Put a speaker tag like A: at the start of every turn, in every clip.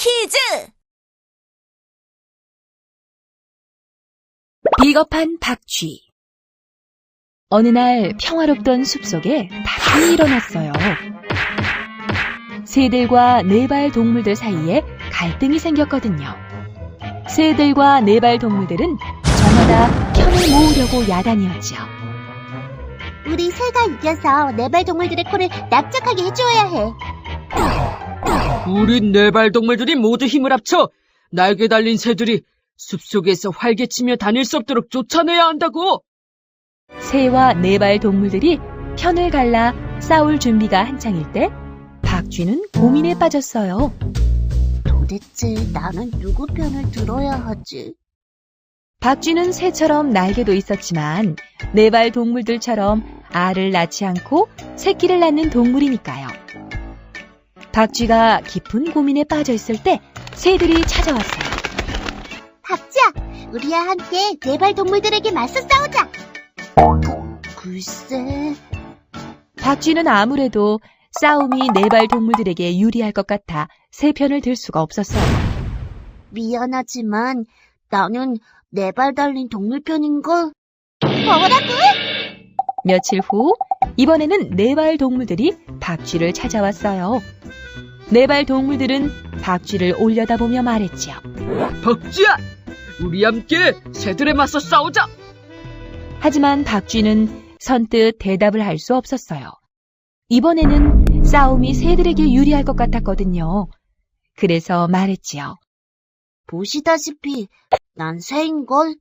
A: 퀴즈!
B: 비겁한 박쥐. 어느 날 평화롭던 숲속에 다툼이 일어났어요. 새들과 네발 동물들 사이에 갈등이 생겼거든요. 새들과 네발 동물들은 저마다 편을 모으려고 야단이었죠.
C: 우리 새가 이겨서 네발 동물들의 코를 납작하게 해주어야 해.
D: 우린 네발 동물들이 모두 힘을 합쳐 날개 달린 새들이 숲속에서 활개치며 다닐 수 없도록 쫓아내야 한다고!
B: 새와 네발 동물들이 편을 갈라 싸울 준비가 한창일 때 박쥐는 고민에 빠졌어요.
C: 도대체 나는 누구 편을 들어야 하지?
B: 박쥐는 새처럼 날개도 있었지만 네발 동물들처럼 알을 낳지 않고 새끼를 낳는 동물이니까요. 박쥐가 깊은 고민에 빠져 있을 때 새들이 찾아왔어요.
C: 박쥐야, 우리와 함께 네발 동물들에게 맞서 싸우자. 글쎄...
B: 박쥐는 아무래도 싸움이 네발 동물들에게 유리할 것 같아 새 편을 들 수가 없었어요.
C: 미안하지만 나는 네발 달린 동물 편인걸. 뭐라고?
B: 며칠 후 이번에는 네발 동물들이 박쥐를 찾아왔어요. 네발 동물들은 박쥐를 올려다보며 말했지요.
D: 박쥐야! 우리 함께 새들에 맞서 싸우자!
B: 하지만 박쥐는 선뜻 대답을 할 수 없었어요. 이번에는 싸움이 새들에게 유리할 것 같았거든요. 그래서 말했지요.
C: 보시다시피 난 새인걸.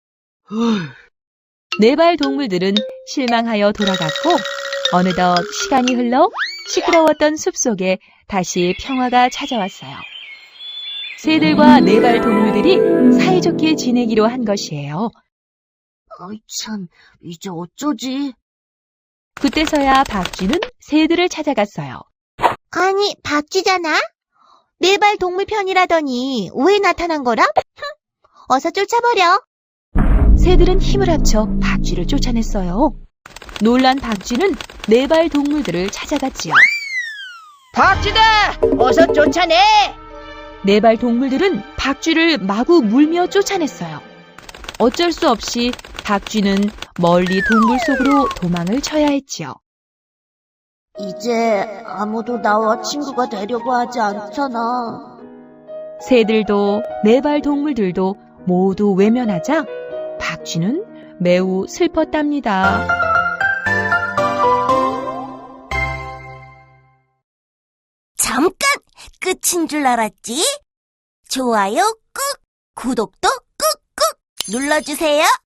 B: 네발 동물들은 실망하여 돌아갔고 어느덧 시간이 흘러 시끄러웠던 숲속에 다시 평화가 찾아왔어요. 새들과 네발 동물들이 사이좋게 지내기로 한 것이에요.
C: 아이 참, 이제 어쩌지?
B: 그때서야 박쥐는 새들을 찾아갔어요.
C: 아니, 박쥐잖아? 네발 동물 편이라더니 왜 나타난 거라? 어서 쫓아버려.
B: 새들은 힘을 합쳐 박쥐를 쫓아냈어요. 놀란 박쥐는 네발 동물들을 찾아갔지요.
A: 박쥐다! 어서 쫓아내!
B: 네발 동물들은 박쥐를 마구 물며 쫓아냈어요. 어쩔 수 없이 박쥐는 멀리 동굴 속으로 도망을 쳐야 했지요.
C: 이제 아무도 나와 친구가 되려고 하지 않잖아.
B: 새들도 네발 동물들도 모두 외면하자 박쥐는 매우 슬펐답니다.
A: 잠깐! 끝인 줄 알았지? 좋아요 꾹! 구독도 꾹꾹! 눌러주세요!